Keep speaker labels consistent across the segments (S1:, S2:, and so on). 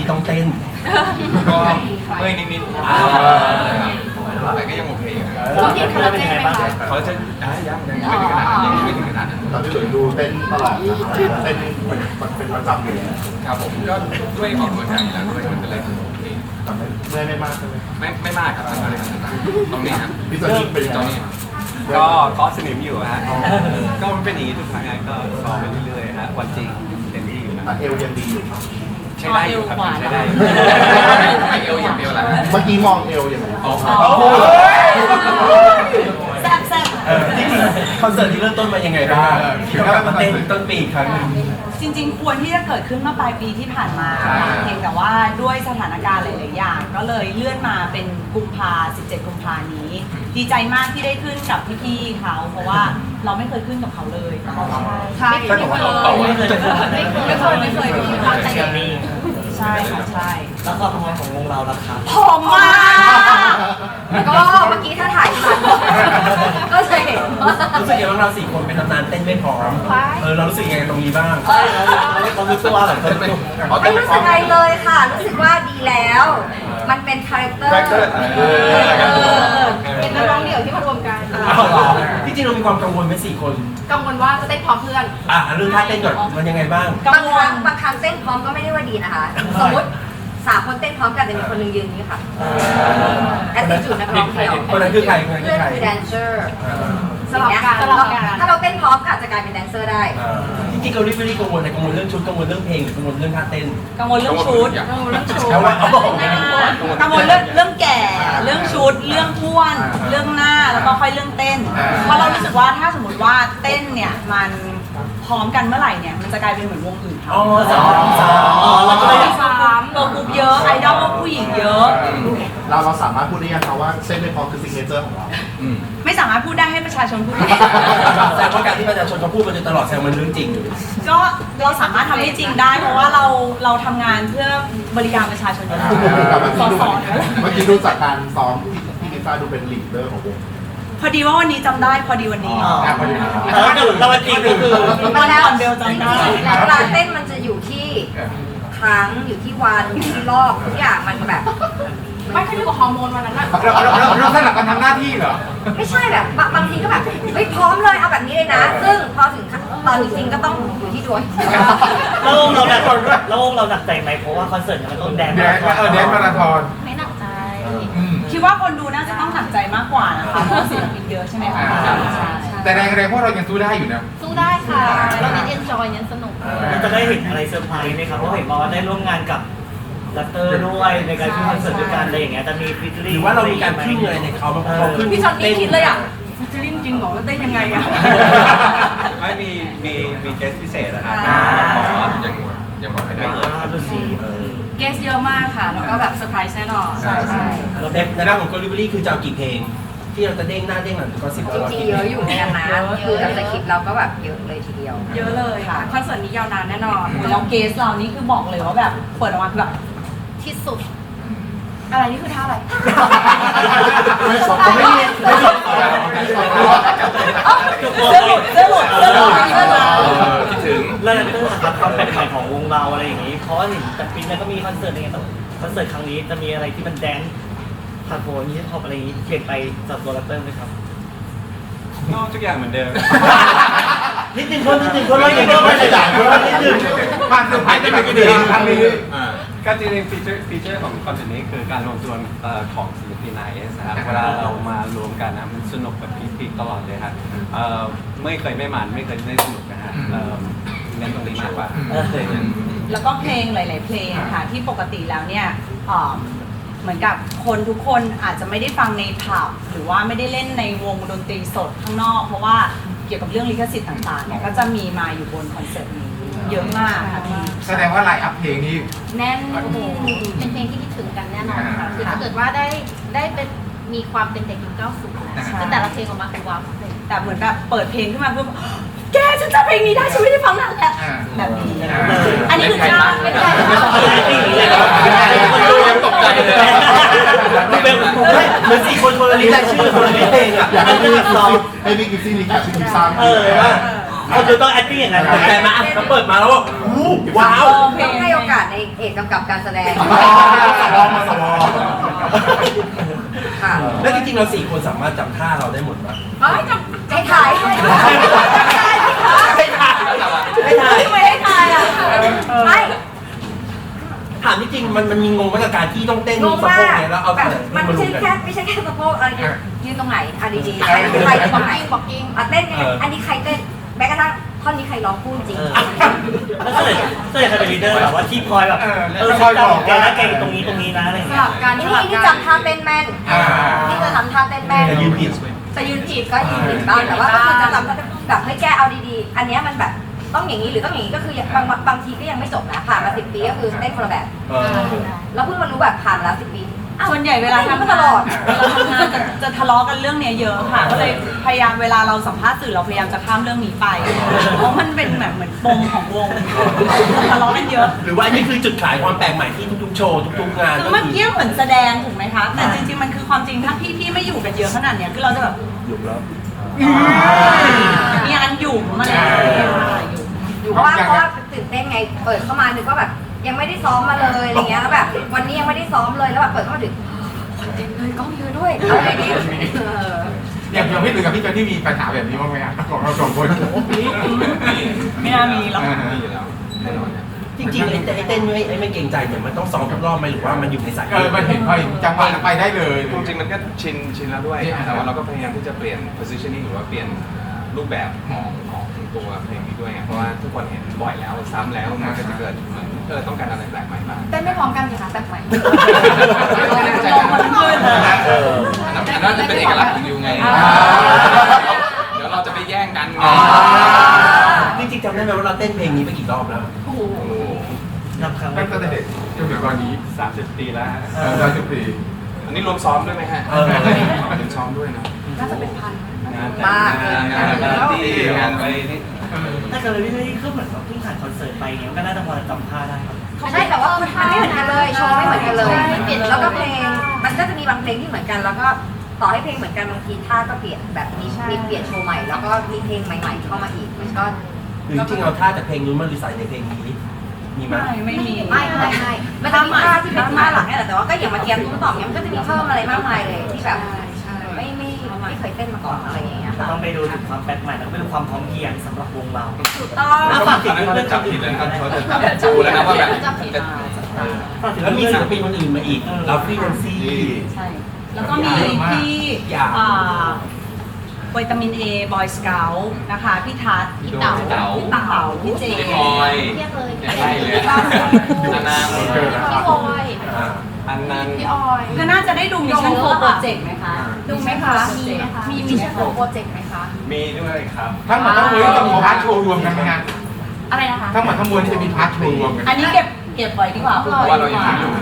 S1: ที่ต้องเต้น
S2: ก็เมื่อยนิดๆแต่ก็ยังโอเคอยู่
S3: เขาเรียนคาราเต้ไหมคะ
S2: เขาจะยังไม่ถึงขนาดนั้นยังไม่ถึงขนาดนั้น
S4: ตอนที่หลุยดูเต้นตลอดนะครับเต้นเป็นประจำเลย
S2: ครับผมก็ด้วยออกกำลังกายแล้วด้วยมันก็เลยโอเค
S4: แต่ไม่มากใช่ไหม
S2: ไม่มากครับตรงนี้ครับ
S4: พี่สนิทเป็นยัง
S2: ตรง
S4: ไง
S2: นี้
S5: ก็เคาะสนิมอยู่ฮะก็มันเป็นอย่างนี้ทุกครั้งไงก็ซ้อมไปเรื่อยๆฮะวันจริงเต็มที่อยู่นะ
S4: เอวยังดีอยู่ครับ
S5: ใช้ได้อยู่ครับใช้ได้อยู่
S2: ไม่เอวอย่างเดียวแหละ
S4: เมื่อกี้มองเอวยังไง
S2: อ๋อ
S3: แซ่บแซ่บ
S1: จริงๆคอนเสิร์ตที่เริ่มต้นมายังไงบ้างที่ต้องกลับมาเต้นต้นปีอีกครั้งหนึง
S3: จริงๆควรที่จะเกิดขึ้นเมื่อปลายปีที่ผ่านมาเพียงแต่ว่าด้วยสถานการณ์หลายๆอย่างก็เลยเลื่อนมาเป็นกุมภา17 กุมภานี้ ดีใจมากที่ได้ขึ้นกับพี่ๆเขาเพราะว่าเราไม่เคยขึ้นกับเขาเลยใช่ไม่เคยไม่เคยใช่ค่ะใช่
S1: แล้วความพร้อมของวงเราล่ะครับ
S3: ผอมมาก
S6: ก็เมื่อกี้ถ้าถ่ายทันก็จะเห็นว่า
S1: รู้สึกยังไงบ้างเรา4 คนเป็นตำนานเต้นไม่พร้อมเรารู้สึกยังไงตรงนี้บ้าง
S5: เรารู้สึกว่าแบบ
S2: เป็น
S6: ไม่รู้สึกอะไรเลยค่ะ รู้สึกว่าดีแล้ว มันเป็นคาแรคเตอร์
S3: เป็นนักร้องเดี่ยวที่มารวมกัน
S1: ที่จริงเรามีความกังวลไหม4 คน
S3: กังวลว่าจะเต้นพร้อมเพื่อน
S1: เรื่องท่าเต้นก่อนมันยังไงบ้าง
S6: บางครั้งเต้นพร้อมก็ไม่ได้ว่าดีนะคะ สมมติ3 คนเต้นพร้อมกันแต่มีคนหนึงยืนนี้ค่ะแอตติจูดนักร้องเดี่ยว
S1: คนนั้นคือใครคนนั้นคื
S6: เพื่อ
S1: อน ใคร
S6: คือแดนเซอร์
S3: สลับกัน
S6: ถ้าเราเต้นพร้อมก็อาจจะกลายเป็นแดนเซอร์ได้
S1: จริงๆเราไม่ได้กังวลแต่กังวลเรื่องชุดกังวลเรื่องเพลงหรือกังวลเรื่องท่าเต้น
S3: กังวลเรื่องชุดกังวลเรื่องชุด
S1: แต่ว่าเขาบอก
S3: กังวลเรื่องแก่เรื่องชุดเรื่องท้วนเรื่องหน้าแล้วก็ค่อยเรื่องเต้นเพราะเรารู้สึกว่าถ้าสมมติว่าเต้นเนี่ยมันพร้อมกันเมื่อไหร่เนี่ยมันจะกลายเป็นเหมือนวงอื่นเขา
S1: เราก็เลยอยาก
S3: ตัวกรุ๊ปเยอะไอดอลผู้หญิงเยอะ
S4: เราสามารถพูดได้ยังครับว่าเส้นไม่พร้อมคือซิกเนเจอร์ของเรา
S3: ไม่สามารถพูดได้ให้ประชาชนพูดได้
S1: แต่ว่าการที่ประชาชนเขาพูดมาโดยตลอดแสดงมันเรื่องจริง
S3: ก็เราสามารถทำให้จริงได้เพราะว่าเราทำงานเพื่อบริการประชาชนอยู่แล้ว
S4: แต่เมื่อ
S3: ส
S4: กี้
S3: อน
S4: ดู
S3: สอน
S4: เมื่อกี้ดูจากการซ้อมที่ลิซ่าดูเป็นลีดเดอร์ของวง
S3: พอดีว่าวันนี้จำได้พอดีวันนี้
S4: พอดีนะ
S1: แล้ววันจริงก็คือ
S3: วันก่อนเบลจำได้
S6: เวลาเต้นมันจะอยู่ที่ครั้งอยู่ที่วันอยู่ที่รอบทุกอย่างมันแบบ
S3: ไม่ขึ้นอยู่กับฮอร์โมนวันนั้นนะ
S2: เราสลับกันทำหน้าที่เหรอ
S6: ไม่ใช่แบบบางทีก็แบบเฮ้ยพร้อมเลยเอาแบบนี้เลยนะ ซึ่งพอถึงตอนจริงๆก็ต้องอยู่ที่ดวง
S7: แล้ววงเราหนักใจไหมเพราะว่าคอนเสิร์ตเนี่ยมันต้องแดน
S2: แดนมาราธอน
S3: ไม่หนักใจ คิดว่าคนดูน่าจะต้องหนักใจมากกว่านะคะเพราะว่าศิลปินเยอะใช่ไหมคะใช่
S2: แต่แรงพวกเรายังสู้ได้อยู่นะ
S3: สู้ได้ค่ะ เราเน้นเอนจอยเน้นสนุก
S7: มันจะได้เห็นอะไรเซอร์ไพรส์ไหมครับเพราะเห็นบอกว่าได้ร่วมงานกับลัตเตอร์ด้วยในการขึ้นคอนเสิร์ตด้วยกันอะไรอย่างเงี้ยจะมีฟิต
S1: ห
S7: ลิ่ง
S1: รือว่าเรามีการพึ่งอะไรในเขาพอขึ้น
S3: พี่จอนนี่คิดเลยอ่ะจะเล่นจริงเหรอเต้นยังไงอ่ะ
S5: ไม่มีเกสพิเศษนะครับ
S2: ยังบอกไม่ได้
S7: ดูสิ
S3: เกสเยอะมากค่ะ แล้วก็แบบเซอร์ไพรส์แน่นอนใช่
S1: เราในด้านของ Delivery คือจะเอากี่เพลง ที่เราจะเด้งหน้าเด้งหลังก็10
S6: จริงๆเยอะอยู่เหมือนกันนะคือกับสคริปต์เราก็แบบเยอะเลยทีเดียว
S3: เยอะเลยค่ะคอนเสิร์ตนี้ยาวนานแน่นอนแล้วเกสเรานี่คือบอกเลยว่าแบบเปิดออกมาคือแบบที่สุด อะไรนี่คือท่าอะไร
S4: ไม่สอบไม่มีไม่สอบ
S3: เสื้อหลุดเสื้อหลุดเสื้อหลุดเสื้อหลุด
S2: คิดถึง
S7: แล้วลัตเตอร์ครับความแปลกใหม่ของวงเราอะไรอย่างงี้เพราะว่าเห็นแต่ปีนั้นก็มีคอนเสิร์ตอะไรเงี้ยแต่คอนเสิร์ตครั้งนี้จะมีอะไรที่มันแดนซ์ผ่านโผล่นี้ท็อปอะไรอย่างงี้เปลี่ยนไปจากตัวลัตเตอร์ไหมครับ
S5: ก็ทุกอย่างเหมือนเดิม
S1: นิดนึงคนเราอย่างนี้ไม่ได้ด่าคนเรานิดนึง
S2: ผ่านเซอร์ไพรส์ได้ไหมก็ดีครั้งนี้
S5: ก็จริงๆฟีเจอร์ของคอนเสิร์ตนี้คือการรวมตัวของศิลปินไนส์นะครับเวลาเรามารวมกันนะมันสนุกแบบพีคๆตลอดเลยครับไม่เคยไม่มันไม่เคยไม่สนุกนะฮะเน้นตรงนี้มากกว่า
S3: แล้วก็เพลงหลาย ๆ เพลงค่ะที่ปกติแล้วเนี่ยเหมือนกับคนทุกคนอาจจะไม่ได้ฟังในผับหรือว่าไม่ได้เล่นในวงดนตรีสดข้างนอก เพราะว่าเกี่ยวกับเรื่องลิขสิทธิ์ต่าง ๆ เนี่ยก็จะมีมาอยู่บนคอนเสิร์ตนี้เยอะมากค่ะพี่
S2: แสดงว่าไลน์อัพเพลงนี้
S8: แน่นโอ้โหเป็นเพลงที่คิดถึงกันแน่นอนค่ะคือถ้าเกิดว่าได้เป็นมีความเป็นเด็กยุค90นะคือแต่ละเพลงออกมาคือว้าวเลย
S3: แต่เหมือนแบบเปิดเพลงขึ้นมาเพื่อแกฉันจำเพลงนี้ได้ฉันไม่ได้ฟังนานแล้วแบบนี้อันนี้คือจ้างไม่ได้
S2: ยังตกใจเลย
S1: เหมือน4 คนคนละลิสต์ชื่อคนละเพลงอ่ะ
S4: อยากให้พี่กิฟซี่รีแคปชื่อกิฟซ่า
S1: ว่า
S7: เขาจะต้อง acting อย่างนั้น
S1: ตกใจไหมแล้วเปิดมาแล้วว่าอู้ว้าว
S6: ต้องให้โอกาสในเอกกำกับการแสดง
S4: สว
S6: ค่ะ
S1: แล้วจริงๆเรา4 คนสามารถจำท่าเราได้หมดไหม
S6: ให้ถ่ายให้ถ่าย
S1: ไม่ถ่ายไม่ถ่าย
S3: ไม่ให้ทายอ่ะ
S6: ไม่
S1: ถามจริงๆมันมีงงกับการที่ต้องเต้น
S6: งง
S1: สะ
S6: มา
S1: โพก
S6: ก
S1: เนี่ยแล้วเอา
S6: แบบ
S1: แต่
S6: มัน
S1: มา
S6: ไม่
S1: รว
S6: ใช่
S1: มกัน
S6: แค่สะโพกอะไรยืนตรงไหนอ่ะดีๆใครยืนตรงไหนเต้นยังไงอันนี้ใครเต้นแม้กระทั่งท่อนนี้ใครร้องพูดจริง
S7: แล้วเสด็จใครเป็นลีดเดอร์แบบว่าที่คอยแบบคอยบอกแกนะแกอยู่ตรงนี้นะอะไรอย่างเงี้ย
S6: นี่จำท่าเต้นแม่นนี่จะทำท่าเต้นแม่น
S1: แต่ยืนผิด
S6: แต่ยืนผิดก็ยืนผิดบ้างแต่ว่าก็คือจะทำแบบให้แก้เอาดีๆ อันเนี้ยมันแบบต้องอย่างนี้หรือต้องอย่างนี้ก็คือบางทีก็ยังไม่จบนะผ่านมา10 ปีก็คือเต้นคนละแบบ แล้วเพิ่งมารู้แบบผ่านมาแล้ว10 ปี
S3: ส่วนใหญ่เวลาทำ
S6: ต
S3: งาน
S6: ลอด
S3: จะทะเลาะกันเรื่องเนี้ยเยอะค่ะ ก็เลยพยายามเวลาเราสัมภาษณ์สื่อเราพยายามจะข้ามเรื่องนี้ไป เพราะมันเป็นแบบเหมือนปมของวงทะเลาะกันเยอะ
S1: หรือว่าอันนี้คือจุดขายความแปลกใหม่ที่ทุกๆโชว์ทุกๆงาน
S3: คือเมื่อกี้เหมือนแสดงถูกไหมคะ แต่จริงๆมันคือความจริงถ้าพี่ไม่อยู่กันเยอะขนาดเนี้ยคือเราจะแบบ
S1: อยู่แล้ว
S3: มีอันอยู่มาแล้วอยู่
S6: เพราะว่าตื่นเต้นไงเปิดเข้ามานึกว่าแบบยังไม่ได้ซ้อมมาเลยอะไรเงี้ยแล้วแบบวันนี้ยังไม่ได้ซ้อมเลยแล้วแบบเปิดเข้ามาถึงเต็มเลยกล้องเยอะด้วยอะไรอย่างเงี้ย
S4: อย่างพี่หรือกับพี่เจนที่มีปัญหาแบบนี้บ้างไหมครับของเรา2 คน
S3: ไม่น่ามีหรอก
S2: มีอยู่แล้วแน่นอนเนี่ย
S1: จริงๆไอ้เต้นไม่เกรงใจเนี่ยมันต้องซ้อมทุกรอบไหมหรือว่ามันอยู่ในสาย
S4: มันเห็นพอจังหวะไปได้เลย
S2: จริงๆมันก็ชินแล้วด้วย แต่ว่าเราก็พยายามที่จะเปลี่ยน positioning หรือว่าเปลี่ยนรูปแบบของตัวเพลงนี้ด้วยไงเพราะว่าทุกคนเห็นบ่อยแล้วซ้ำแล้วมันก็จะเกิดเหมือนต้องการอะไรแปลกใหม่บ้าง
S6: เต้นไม่พร้อมกันสิคะแบบใหม่
S2: อันนั้นจะเป็นเอกลักษณ์ของยูไง เดี๋ยวเราจะไปแย่งกันไง
S1: จริงๆจำได้ไหมว่าเราเต้นเพลงนี้ไปกี่รอบแล้ว
S2: โอ้โห
S7: นับครั้ง
S4: ตั้งแต่เด็กจนถึงตอนนี้
S5: 30 ปีแล้วฮะ
S4: 30 ปี
S2: อันนี้รวมซ้อมด้วยไหมฮะ
S1: เออ
S2: เป็นซ้อมด้วยนะ
S6: น่าจะเป็นพัน
S5: งานแต่งงานปาร์ตี้งานไปนี่
S7: ถ้าเกิดพี่ไม่ก็เหมือนเพิ่งผ่านคอนเสิร์ตไปเงี้ยก็น่าจะพอจำท่าได้ครับ
S6: ใช่แต่ว่ามันไม่เหมือนกันเลยโชว์ไม่เหมือนกันเลย แล้วก็เพลงมันก็จะมีบางเพลงที่เหมือนกัน แล้วก็ต่อให้เพลงเหมือนกันบางทีท่าก็เปลี่ยนแบบมีเปลี่ยนโชว์ใหม่แล้วก็มีเพลงใหม่ๆเข้ามาอีกมันก็
S1: หรือจริงๆเอาท่าจากเพลงนู้นมารีไซน์ในเพลงนี้มีไหม
S3: ไม่มี
S6: ไม่มันจะมีท่าที่เป็นท่าหลักนี่แหละแต่ว่าก็อย่างมาเทียมตุ้มต่อมเนี่ยมันก็จะมีเพิ่มอะไรมากมายเลยที่แบบไม่เคยเต้นมาก่อนอะไรอย่างเงี้ย
S7: จะ
S6: ค่ะ
S7: ต้องไปดูถึงความแปลกใหม่แล้วก็ไปดูความพร้อมเพรียงสำหรับวงเรา
S6: ถูกต้อง
S7: แล้วฝากถึ
S2: ตอง นนั้นเขา
S7: เรื่
S2: จะ
S7: อง
S2: จับผิดเลยนะครับเขาจะจับดูแล้วนะว่าแบบจะ
S7: ฝากถึง
S1: แล้วมี
S7: เรื่อง
S1: ศิลปินคนอื่นมาอีกเราฟรีแลนซี่
S3: ใช่ แล้วก็มีพี่วิตามินเอบอยสเกลนะคะ พี่ทัศน์
S2: พี่เต๋า
S3: พี่เต๋าพี่เจ
S2: พี่บอย
S8: เรียกเลย
S2: ใช่เลยนานา
S8: พี่บอย
S5: อันนั้น
S8: พี่ออย
S3: ก็น่าจะได้ดูมิชชั่นโฟร์โปรเจกต์ไหมคะ
S6: ดูไหมคะ
S8: มีมิชชั่นโปรเจกต์ไหมคะ
S5: มีด้วยครับ
S4: ทั้งหมดทั้งมวลจะมีพาร์ทโชว์รวมกันไหมฮะ
S8: อะไรนะคะ
S4: ทั้งหมดทั้งมวลจะมีพาร์ทโชว์รวมกัน
S3: อันนี้เก็บไว้ดีกว่า
S2: เพราะว่าเรายังไม่รู้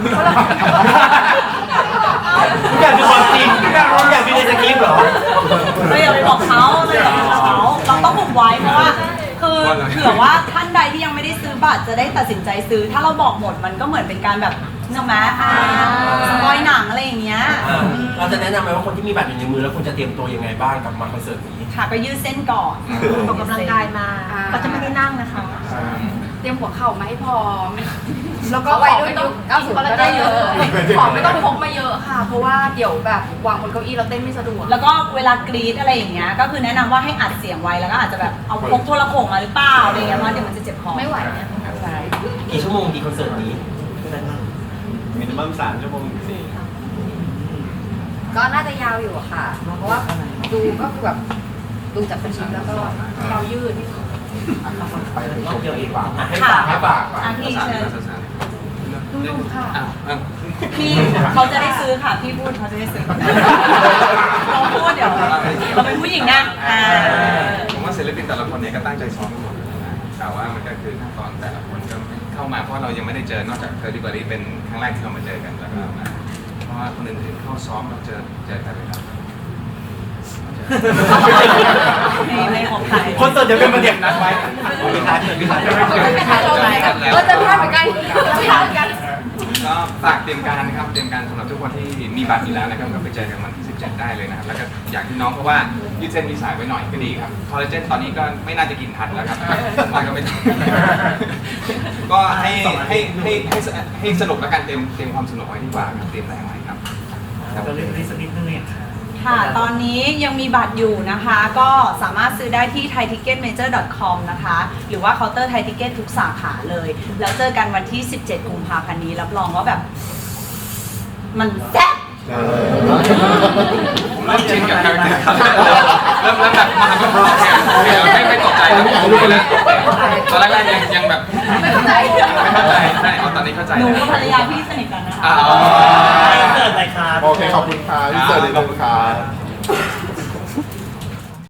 S1: ทุกอย่างคือความจริงทุกอย่างคือในสคริปต์เหรอ
S3: เราอย่าไปบอกเขาเราอย่าไปบอกเขาเราต้องบุกไว้เพราะว่าคือเผื่อว่าท่านใดที่ยังไม่ได้ซื้อบัตรจะได้ตัดสินใจซื้อ ถ้าเราบอกหมดมันก็เหมือนเป็นการแบบใช่ไหมสปอยหนังอะไรอย่างเงี้ย
S1: เราจะแนะนำไหมว่าคนที่มีบัตรอยู่ในมือแล้วคุณจะเตรียมตัวยังไงบ้างกับมาคอนเสิร์ตนี้
S3: ค่ะก็ยืดเส้นก่อน
S8: ออกกำลังกายมาก็จะไม่ได้นั่งนะคะ
S6: เตรียมหัวเข่ามาให้พร้อมแล้วก็ไว้ด้วยยุค90ก็ได้เยอะของไม่ต้องพกมาเยอะค่ะ เพราะว่าเดี๋ยวแบบวางบนเก้าอี้เราเต้นไม่สะดวก
S3: แล้วก็เวลากรีดอะไรอย่างเงี้ยก็คือแนะนำว่าให้อัดเสียงไว้แล้วก็อาจจะแบบเอาพกโทรโขงมาหรือเปล่าอะไรเงี้ยเพราะเดี๋ยวมันจะเจ็บคอ
S8: ไม่ไหวเนี่ย
S3: ใช่
S1: กี่ชั่วโมงดีคอนเสิร์ตนี้
S5: มินิมัม3 ชั่วโมง4
S6: ก็น่าจะยาวอยู่อะค่ะ เพราะว่าดูก็คือแบบดูจากสคริปต์แล้วก็เรายืด
S4: ไปโชว์เดียวอีกว่า
S1: ให้ฝากให้ฝาก
S3: อาพี่เชิญ
S6: ดูค่ะ
S3: พี่เขาจะได้ซื้อค่ะพี่พูดเขาจะได้ซื้อเราพูดเดี๋ยวเราเป็นผู้หญิงนะ
S2: ผมว่าศิลปินแต่ละคนเนี่ยก็ตั้งใจซ้อมกันหมดเลยนะแต่ว่ามันก็คือขั้นตอนแต่ละคนก็เข้ามาเพราะเรายังไม่ได้เจอนอกจากเธอดีกว่านี้เป็นครั้งแรกที่เรามาเจอกันแล้วก็มาเพราะว่าคนอื่นๆเข้าซ้อมเราเจอกันเลยครับ
S3: ไม่ของใคร
S1: คอนเสิร์ตจะเป็นประเด็นนัดไว้พี่ทัศน์พี่ทัศน์
S6: จะพลาดเหมือนกันจะพลาดเหมือนกัน
S2: ก็ก็ฝากเตรียมการนะครับเตรียมการสำหรับทุกคนที่มีบัตรอยู่แล้วนะครับก็ไปเจอกันวันที่ 17 ได้เลยนะครับแล้วก็อย่างที่น้องเพราะว่ายืดเส้นมีสายไว้หน่อยก็ดีครับคอลลาเจนตอนนี้ก็ไม่น่าจะกินทันแล้วครับมันก็ไม่ต้องก็ให้สนุกแล้วกันเตรียมความสนุกไว้ดีกว่าครับเตรียมแรงไว้ครับ
S7: เราเรียนรู้สักนิดนึงเนี่ยค่ะ
S3: ค่ะ ตอนนี้ยังมีบัตรอยู่นะคะ ก็สามารถซื้อได้ที่ thaiticketmajor.com นะคะ หรือว่าเคาน์เตอร์ไทยทิเก็ตทุกสาขาเลย แล้วเจอกันวันที่ 17 กุมภาพันธ์นี้ รับรองว่าแบบ มันแซ่บ
S2: ผมเริ่มชินกับการเริ่มแบบมาก็โอเคไม่ตกใจแล้วตอนแรกๆยังแบบไม่เข้าใจใช่ตอนนี้เข้าใจ
S3: หนูกับภรรยาพี่สนิทกันนะคะ
S7: เกิดอะไรครับ
S4: โอเค ขอบคุณค่ะพี่เจอเลยขอบคุณค่ะ